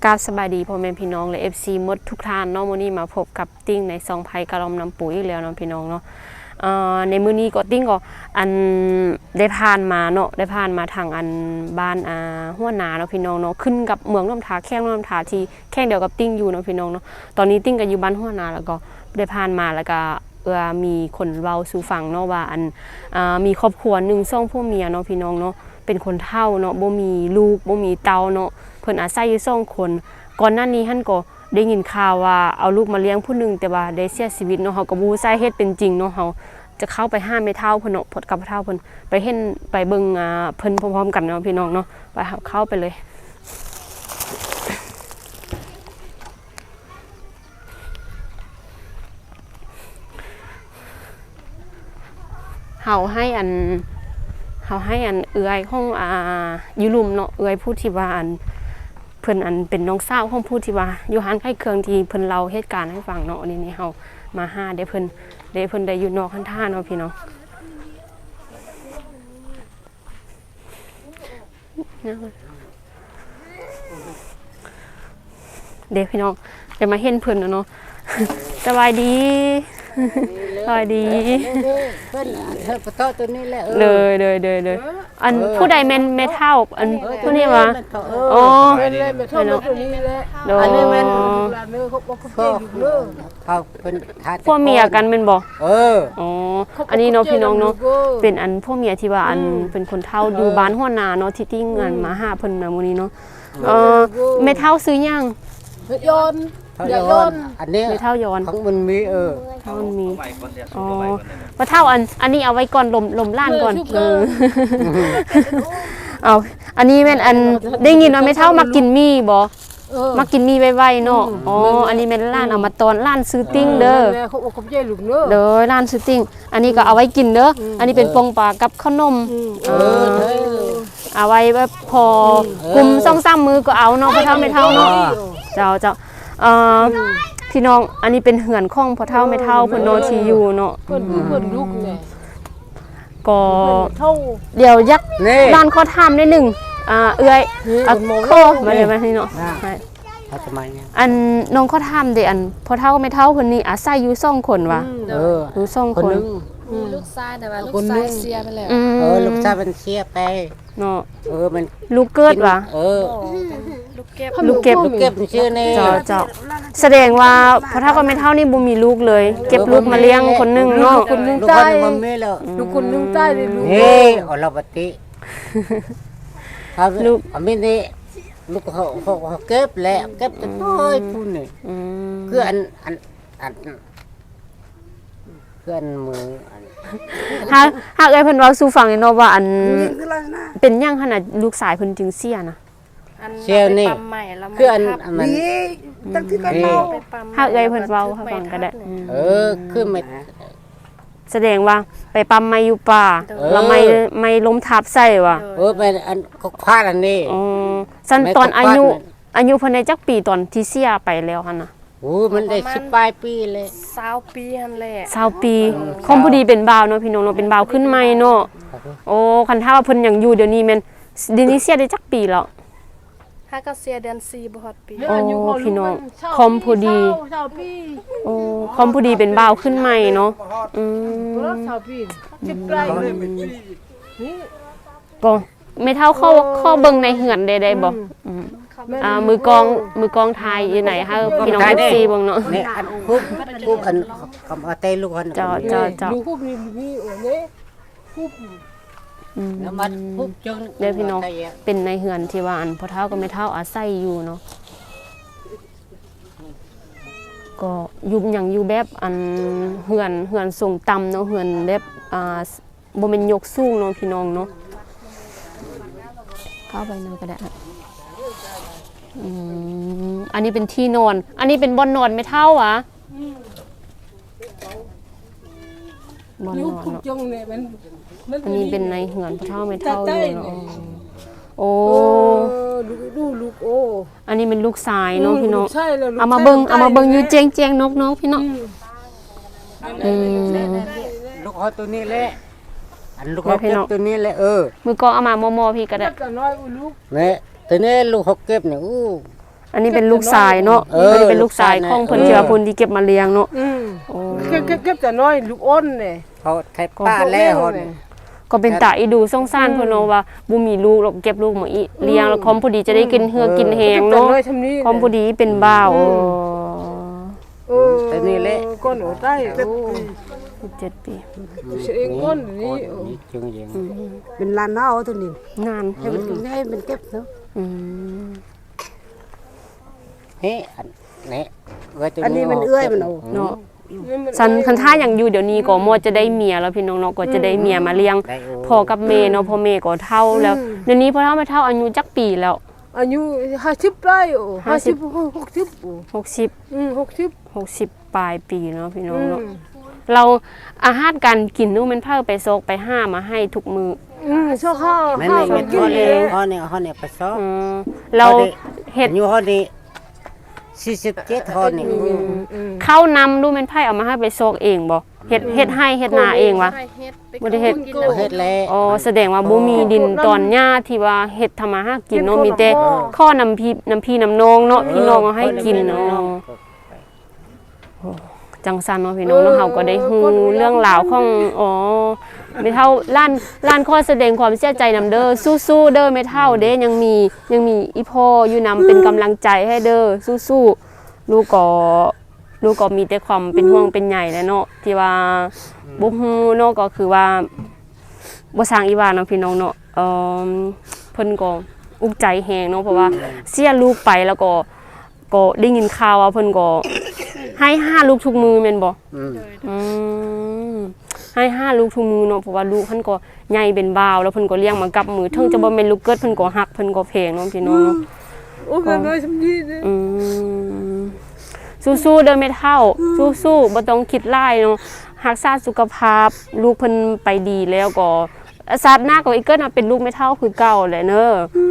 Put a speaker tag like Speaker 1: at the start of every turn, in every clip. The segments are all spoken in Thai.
Speaker 1: กราบสบายดีพ่อแม่พี่น้องและ FC หมดทุกท่านเนาะมื้อนี้มาพบกับติ้งในซองไผ่กะลอมน้ำปุ๋ยอีกแล้วเนาะพี่น้องเนาะในมื้อนี้ก็ติ้งก็อันได้ผ่านมาเนาะได้ผ่านมาทางอันบ้านหัวนาเนาะพี่น้องเนาะขึ้นกับเมืองน้ำทาแข้งน้ำทาที่แข้งเดียวกับติ้งอยู่เนาะพี่น้องเนาะตอนนี้ติ้งก็อยู่บ้านหัวนาแล้วก็ได้ผ่านมาแล้วก็มีคนเว้าสู่ฟังเนาะว่าอันมีครอบครัวนึง2ผัวเมียเนาะพี่น้องเนาะเป็นคนเฒ่าเนาะบ่มีลูกบ่มีเต้าเนาะเพิ่นอาศัยอยู่2คนก่อนหน้านี้หั่นก็ได้ยินข่าวว่าเอาลูกมาเลี้ยงผู้นึงแต่ว่าได้เสียชีวิตเนาะเฮาก็บ่รู้สาเหตุเป็นจริงเนาะเฮาจะเข้าไปห้ามแม่เฒ่าเพิ่นเนาะพดกับเฒ่าเพิ่นไปเห็นไปเบิ่งเพิ่นพร้อมๆกันเนาะพี่น้องเนาะไปเข้าไปเลยเฮาให้อันเอื้อยของอยู่ลุมเนาะเอื้อยผู้ที่ว่าอันเพิ่นอันเป็นน้องสาวของผู้ที่ว่าอยู่ร้านขายเครื่องที่เพิ่นเล่าเหตุการณ์ให้ฟังเนาะนี่เฮามาหาได้เพิ่นได้อยู่นอกคันท่าเนาะพี่น้องเดี๋ยวพี่น้องจะมาเห็นเพิ่นเนาะสบายดีสวัสดี
Speaker 2: เพิ่นเธอปะโตตัวนี้แหละ
Speaker 1: เลยอันผู้ใดแม่นแม่เฒ่าอันผู้นี้ว่าอ๋อ
Speaker 2: แม่นเลยแม่เฒ่าตัวนี้แหละอันนี้แม่นหลานเด้อเขาบ่เข้าใจอยู่เด้อเขาเพิ่น
Speaker 1: พวกเมียกันแม่นบ่
Speaker 2: อ๋อ
Speaker 1: อันนี้เนาะพี่น้องเนาะเป็นอันพวกเมียที่ว่าอันเป็นคนเฒ่าอยู่บ้านหัวนาเนาะที่ติ้งอันมาหาเพิ่นน่ะมื้อนี้เนาะแม่เฒ่าซื้อหยัง
Speaker 2: ยนอันนี้
Speaker 1: ไม่เท่ายอน
Speaker 2: ของมันมี
Speaker 1: มันมีอ๋อมาเท่าอันนี้เอาไว้ก่อนลมล้านก่อนเอาอันนี้แม่นอันได้ยินว่าไม่เท่ามากินมีบ่มากินมีไวๆเนาะอ๋ออันนี้แม่นล้านเอามาตอนล้านซื้อติ้งเด้อเด้อล้านซื้อติ้งอันนี้ก็เอาไว้กินเด้ออันนี้เป็นปงปลากับขนมเอาไว้แบบพอกลุ่ม2-3 มือก็เอาเนาะพอเท่าไม่เท่าเนาะเจ้าพี่น้องอันนี้เป็นเหือนข้องพอเท่าไม่เท่าเพิ่นโนที่อยู่เนาะ
Speaker 2: เพิ่นลูกไง
Speaker 1: ก็เดี๋ยวยักบ้านขอถามนิดนึงเอื้อยโคมาเลยมาที่เนาะอันน้องขอถามเด้อันพอเท่าไม่เท่าเพิ่นนี่อาศัยอยู่2คนว่ะอยู่2คน
Speaker 3: ลูกชายแต่ว่าลูกชายเสียไปแล้ว
Speaker 2: ลูกชายมันเสียไป
Speaker 1: เนาะ
Speaker 2: มัน
Speaker 1: ลูกเกิดว่ะ
Speaker 3: ลูกเก็บ
Speaker 2: ชื่อนี่
Speaker 1: เจ้าแสดงว่าพอเท่าก็ไม่เท่านี่บ่มีลูกเลยเก็บลูกมาเลี้ยงคนนึงเนาะ
Speaker 2: คนนึงตายลูกคนนึงตายเลยลูกอรปฏิลูกอันนี้ลูกเขาเก็บแล้วเก็บจะน้อยพูนนี่คืออันคืออันมือ
Speaker 1: หากเอ้ยเพิ่นเว้าสู่ฟังเนาะว่าอันเป็นหยังขนาดลูกสายเพิ่นจึงเสียนะ
Speaker 2: เสียนี่คืออันมัน
Speaker 3: ตั้งที่กันเมา
Speaker 1: หากเอ้ยเพิ่นเว้าให้ฟังก็ได้
Speaker 2: คือไม่
Speaker 1: แสดงว่าไปปั๊มไม้อยู่ป่าแล้วไม่ล้มทับใส่ว่ะ
Speaker 2: เป็นอันก็พลาดอันนี้
Speaker 1: ซั่นตอนอายุเพิ่นได้จักปีตอนที่เสียไปแล้วหั่นน่ะ
Speaker 2: มันได้10ปลายปีเลย
Speaker 3: 20 ปีหั่นแหละ
Speaker 1: 20 ปีคอมพอดีเป็นบ่าวเนาะพี่น้องเนาะเป็นบ่าวขึ้นใหม่เนาะโอ้คันถ้าว่าเพิ่นยังอยู่เดี๋ยวนี้แม่นเดี๋ยวนี้เสียได้จักปีแล้ว
Speaker 3: ถ้าก็เสียเดือน4บ่ฮอดปี
Speaker 1: โอ้พี่น้องคอมพอดีโอ้คอมพอดีเป็นบ่าวขึ้นใหม่เนาะก็ไม่เท่าข้อเบิ่งในเหือนได้บ่มือกองไทยอยู่ไหนฮะพี่น้องFCเบิ่งเนาะ
Speaker 2: นี่อันฮูบอันคำเอาเตลูกอัน
Speaker 1: เจ้า
Speaker 2: ลูกฮูบนี่โอ้นี่ฮูบแล้วมันฮูบจน
Speaker 1: เด้อพี่น้องเป็นในเหือนที่ว่าอันพ่อเฒ่าก็ไม่เฒ่าอาศัยอยู่เนาะก็อยู่แบบอันเหือนสูงต่ำเนาะเหือนแบบบ่แม่นยกสูงเนาะพี่น้องเนาะเข้าไปนั่นก็ได้อันนี้เป็นที่นอนอันนี้เป็นบ่อนนอนไม่เท่าวะบ่อนนอนเนาะอันนี้เป็นในเหือนพระเท่าไม่เท่าอยู่เนาะโอ้
Speaker 2: ลูกโอ้
Speaker 1: อันนี้เป็นลูกชายเนาะพี่น้องเอามาเบิ่งอยู่เจียงนกน้องพี่น้อง
Speaker 2: ลูกเอาตัวนี้แหละอันลูกเอาตัวนี้แหละ
Speaker 1: มือกองเอามามอพี่ก็ได้
Speaker 2: เนี่ยตัวนี้ลูกเขาเก็บเนี่ย
Speaker 1: อันนี้เป็นลูกชายเนาะอันนี้เป็นลูกชายของเพิ่นที่ว่าเพิ่นที่เก็บมาเลี้ยงเนาะ โอ้
Speaker 4: เก็บแต่น้อยลูกอ้นเนี่ย
Speaker 2: เขาไทยป้าแล้ว
Speaker 1: ก็เป็นตาอีดูสงสารเพิ่นเนาะว่าบ่มีลูกแล้วเก็บลูกมาอีเลี้ยงแล้วคอมพอดีจะได้กินเหือกินแหงเนาะคอมพอดีเป็นบ่าว
Speaker 2: แต่นี่แหละ
Speaker 4: ก้นโอ้ใต้โอ้
Speaker 1: 7 ปี
Speaker 4: เองก้นนี่
Speaker 2: จึงยัง
Speaker 4: เป็นลานเน่าตัวนี้
Speaker 1: นาน
Speaker 4: ให้มันเก็บเนาะ
Speaker 1: อืม
Speaker 2: เฮ้อันนี้
Speaker 4: อันนี้มันเอื้อยมันเอา
Speaker 1: เนาะสันคันท่าอย่างอยู่เดี๋ยวนี้ก็มอจะได้เมียแล้วพี่น้องเนาะก็จะได้เมียมาเลี้ยงพ่อกับแม่เนาะพ่อแม่ก็เฒ่าแล้วเดี๋ยวนี้พ่อเฒ่าแม่เฒ่าอายุจักปีแล้ว
Speaker 4: อายุ50ได้โอ้50 60โอ้
Speaker 1: 60
Speaker 4: 60
Speaker 1: 60ปลายปีเนาะพี่น้องเนาะเราอาหารการกินนู่นมันเพิ่นไปซอกไปห้ามาให้ทุกมื้อ
Speaker 4: ชอบข้าว
Speaker 2: แม่
Speaker 4: ข้าว
Speaker 2: นี่
Speaker 4: กิน
Speaker 2: เขา
Speaker 4: เล
Speaker 2: เนี่ย
Speaker 4: ย
Speaker 2: เขาเนี่ยไปซ้อ
Speaker 1: เราเฮ็ด
Speaker 2: อยู่เขานี่47เขานี่
Speaker 1: ข้าวนำดูมันไผเอามาให้ไปซอกเองบ่เฮ็ดให้เฮ็ดนาเองวะ
Speaker 3: ให้เฮ็ดไป
Speaker 1: บ่ได้เฮ็ด
Speaker 3: กิน
Speaker 2: เฮ็ดแล้ว
Speaker 1: อ๋อแสดงว่าบ่มีดินตอนหญ้าที่ว่าเฮ็ดทำมาหากินเนาะมีแต่ข้อน้ำพี่น้ำนองเนาะพี่น้องเอาให้กินเนาะจังซั่นเนาะพี่น้องเนาะเฮาก็ได้ฮู้เรื่องราวของอ๋อแม่เฒ่าล้านขอแสดงความเสียใจนำเด้อสู้ๆเด้อแม่เฒ่าเด้ยังมีอีพ่ออยู่นำเป็นกำลังใจให้เด้อสู้ๆลูกก็มีแต่ความเป็นห่วงเป็นใยแหละเนาะที่ว่าบ่ฮู้เนาะก็คือว่าบ่สร้างอีว่าเนาะพี่น้องเนาะเพิ่นก็อุกใจแฮงเนาะเพราะว่าเสียลูกไปแล้วก็ได้ยินข่าวว่าเพิ่นก็ให้5ลูกทุกมือแม่นบ่อืมให้5ลูกทุกมือเนาะเพราะว่าลูกเพิ่นก็ใหญ่เป็นบ่าวแล้วเพิ่นก็เลี้ยงมากับมือถึงจะบ่แม่นลูกเกิดเพิ่นก็ฮักเพิ่นก็แพงเนาะพี่น้องเนาะ
Speaker 4: โอ้ยน้อยสำนีเลย
Speaker 1: อืมสู้ๆเด้อแม่เฒ่าสู้ๆบ่ต้องคิดร้ายเนาะรักษาสุขภาพลูกเพิ่นไปดีแล้วก็ชาติหน้าก็อีกเกิดมาเป็นลูกแม่เฒ่าคือเก่าแหละเด้อ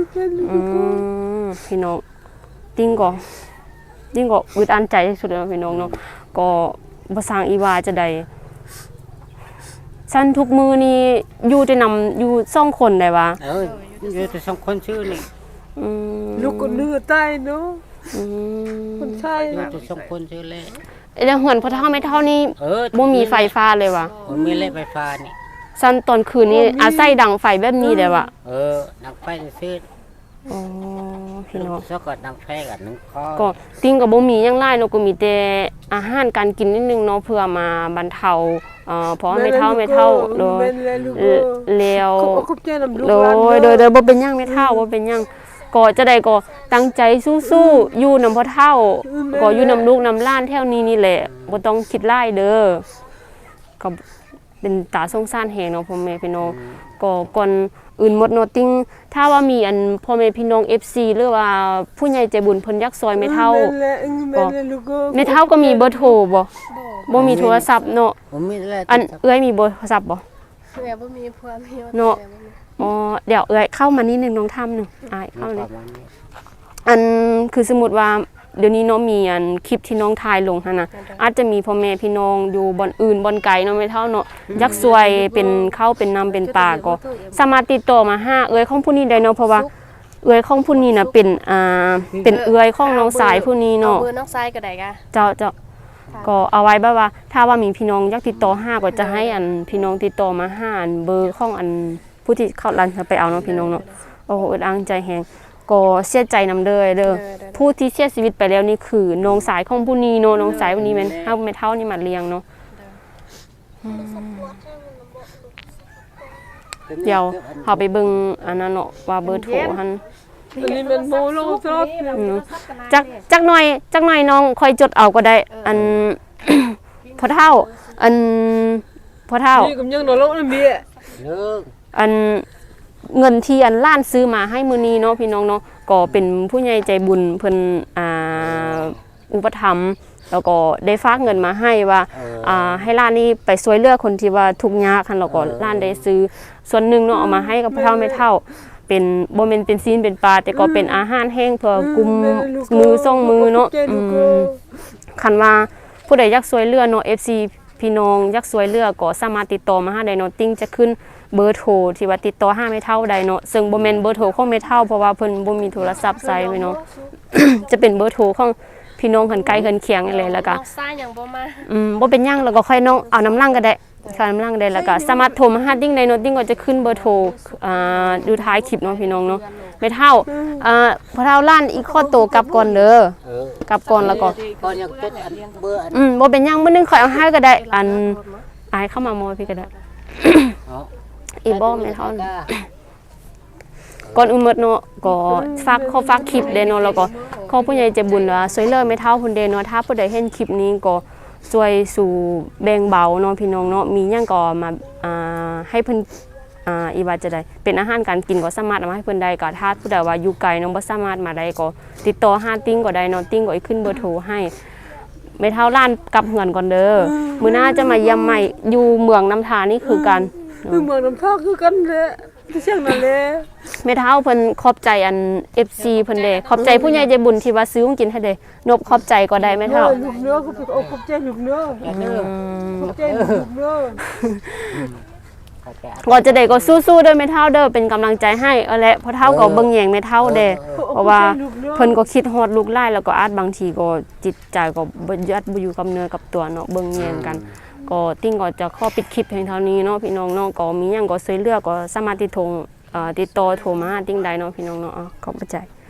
Speaker 1: พี่น้องติ้งก็อึดอั้นใจที่สุดแล้วพี่น้องเนาะก็บ่สร้างอีวาจะได้สั้นทุกมือนี่อยู่แต่นำอยู่2คนได้วะ
Speaker 2: อยู่แต่2คนชื่อนี่
Speaker 4: ลูกก็เนื้อใต้เนาะคนใช่
Speaker 2: อยู่แต่2คนชื่อแล้ว
Speaker 1: แล้วเหือนพ่อเฒ่าแม่เฒ่านี่บ่มีไฟฟ้าเลยวะ
Speaker 2: บ่มีเล่ไฟฟ้านี่
Speaker 1: สั้นตอนคืนนี้อาศัยดังไฟแบบนี้ได้วะ
Speaker 2: นังไฟซื้อ
Speaker 1: อ๋อพี่น้อง
Speaker 2: ซะก็นังไฟกับนังคอ
Speaker 1: ก็ติ้งก็บ่มีหยังหลายเนาะก็มีแต่อาหารการกินนิดนึงเนาะเพื่อมาบรรเทาเพราะไม่เท่าโดยแล้ว
Speaker 4: คุบเจน้ำลูก
Speaker 1: โดยบ่เป็นหยังไม่เท่าบ่เป็นหยังก็จะได้ก็ตั้งใจสู้ๆอยู่นำพ่อเฒ่าก็อยู่นำลูกนำหล้านแถวนี้นี่แหละบ่ต้องคิดหลายเด้อก็เป็นตาสงสารแฮงเนาะพ่อแม่พี่น้องก็ก่อนอื่นหมดเนาะติ้งถ้าว่ามีอันพ่อแม่พี่น้อง FC หรือว่าผู้ใหญ่ใจบุญเพิ่นอยากซอยแม่เฒ่าแม่เฒ่าก็มีเบอร์โทรบ่มีโทรศัพท์เนาะ
Speaker 2: ผมมีแล้ว
Speaker 1: อันเอื้อยมีเบอร์โทรศัพท์บ่
Speaker 3: เพื่อบ่มีผัวมี
Speaker 1: เนาะอ๋อเดี๋ยวเอื้อยเข้ามานิดนึงน้องทำนึงอ้ายเข้าเลยอันคือสมมุติว่าเดี๋ยวนี้เนาะมีอันคลิปที่น้องถ่ายลงหั่นน่ะอาจจะมีพ่อแม่พี่น้องอยู่บ่อนอื่นบ่อนไกลเนาะไม่เท่าเนาะอยากช่วยเป็นข้าวเป็นน้ำเป็นปลาก็สามารถติดต่อมาหาเอื้อยของผู้นี้ได้เนาะเพราะว่าเอื้อยของผู้นี้น่ะเป็นเป็นเอื้อยของน้องสายผู้นี้เนาะ
Speaker 3: เบอร์น้องซ้ายก็ได้กะ
Speaker 1: เจ้าก็เอาไว้แบบว่าถ้าว่ามีพี่น้องอยากติดต่อหาก็จะให้อันพี่น้องติดต่อมาหาอันเบอร์ของอันผู้ที่เข้าร้านไปเอาเนาะพี่น้องเนาะโอ้โหอึดอั้งใจแฮงก็เสียใจนำเด้อผู้ที่เสียชีวิตไปแล้วนี่คือน้องสายของผู้นี้เนาะน้องสายผู้นี้แม่นเฮาแม่เฒ่านี่มาเลี้ยงเนาะเดี๋ยวเฮาไปเบิ่งอันนั้นเนาะว่าเบอร์โทรหั่น
Speaker 4: อันนี้มันโมโลซอส
Speaker 1: จักหน่อยน้องค่อยจดเอาก็ได้อัน พ่อเฒ่าอันพ่อเฒ่า
Speaker 4: นี่ก็ยังนอนลงนั่นเบี้ย
Speaker 2: เลิก
Speaker 1: อันเงินที่อันล้านซื้อมาให้มื้อนี้เนาะพี่น้องเนาะก็เป็นผู้ใหญ่ใจบุญเพิ่นอุปถัมภ์แล้วก็ได้ฝากเงินมาให้ว่าให้ล้านนี้ไปช่วยเหลือคนที่ว่าทุกข์ยากคั่นแล้วก็ล้านได้ซื้อส่วนหนึงเนาะเอามาให้กับพ่อเฒ่าแม่เฒ่าเป็นบ่แม่นเป็นซีนเป็นปลาแต่ก็เป็นอาหารแห้งเพื่อกุมมือส่งมือเนาะคันว่าผู้ใดอยากช่วยเหลือเนาะ FC พี่น้องอยากช่วยเหลือก็สามารถติดต่อมาหาได้เนาะติ้งจะขึ้นเบอร์โทรที่ว่าติดต่อหาแม่เฒ่าได้เนาะซึ่งบ่แม่นเบอร์โทรของแม่เฒ่าเพราะว่าเพิ่นบ่มีโทรศัพท์ใช้ไว้เนาะจะเป็นเบอร์โทรของพี่น้องหันไกลเฮือนเคียงอะไรแล้วก็
Speaker 3: น้องซ้ายยังบ่มา
Speaker 1: บ่เป็นหยังแล้วก็ค่อยน้องเอาน้ำลังก็ได้ค่าน้ำลังได้แล้วก็สามารถโทรมาหาติ้งได้เนาะติ้งก็จะขึ้นเบอร์โทรดูท้ายคลิปเนาะพี่น้องเนาะไม่เท่าพอเท่าล้านอีกข้อโตกลับก่อนเด้อกลับก่อนแล้วก็
Speaker 2: ก่อนยังเป็นอันเบอร์อัน
Speaker 1: บ่เป็นหยังมื้อนึงค่อยเอาให้ก็ได้อันอายเข้ามามอพี่ก็ได้
Speaker 2: อ๋อ
Speaker 1: อีบ่แม่เท่าก่อนอื่นหมดเนาะก็ฝากคลิปเด้เนาะแล้วก็ขอผู้ใหญ่ใจบุญว่าช่วยเหลือแม่เฒ่าพุ่นเด้เนาะถ้าผู้ใดเห็นคลิปนี้ก็ช่วยสู่แบ่งเบาเนาะพี่น้องเนาะมีหยังก็มาให้เพิ่นอีว่าจะได้เป็นอาหารการกินก็สามารถเอามาให้เพิ่นได้ก็ถ้าผู้ใดว่าอยู่ไกลเนาะบ่สามารถมาได้ก็ติดต่อหาติ้งก็ได้เนาะติ้งก็ขึ้นเบอร์โทรให้แม่เฒ่าล้านกลับเฮือนก่อนเด้อมื้อหน้าจะมาเยี่ยมใหม่อยู่เมืองน้ำทานี่คือกัน
Speaker 4: คือเมืองน้ำท่าคือกันแหละที่เชียงนั่นแหละ
Speaker 1: แม่เฒ่าเพิ่นขอบใจอัน FC เพิ่นเด้ขอบใจผู้ใหญ่ใจบุญที่ว่าซื้อของกินให้เด้นบขอบใจก็ได้แม่เฒ่า
Speaker 4: ลูกเนื้อก็เป็นอกขอบใจลูกเนื้อขอบใจลูกเนื้อ
Speaker 1: ก็จะได้ก็สู้ๆเด้อแม่เฒ่าเด้อเป็นกำลังใจให้เอาแหละเพราะเฒ่าก็เบิ่งแยงแม่เฒ่าเด้เพราะว่าเพิ่นก็คิดฮอดลูกหลายแล้วก็อาจบางทีก็จิตใจก็บ่ยัดบ่อยู่กับเนื้อกับตัวเนาะเบิ่งแยงกันก็ติ้งก็จะขอปิดคลิปเพียงเท่านี้เนาะพี่น้องเนาะก็มีหยังก็ช่วยเหลือก็สามารถติดต่อโทรมาติ้งได้เนาะพี่น้องเนาะขอบใจ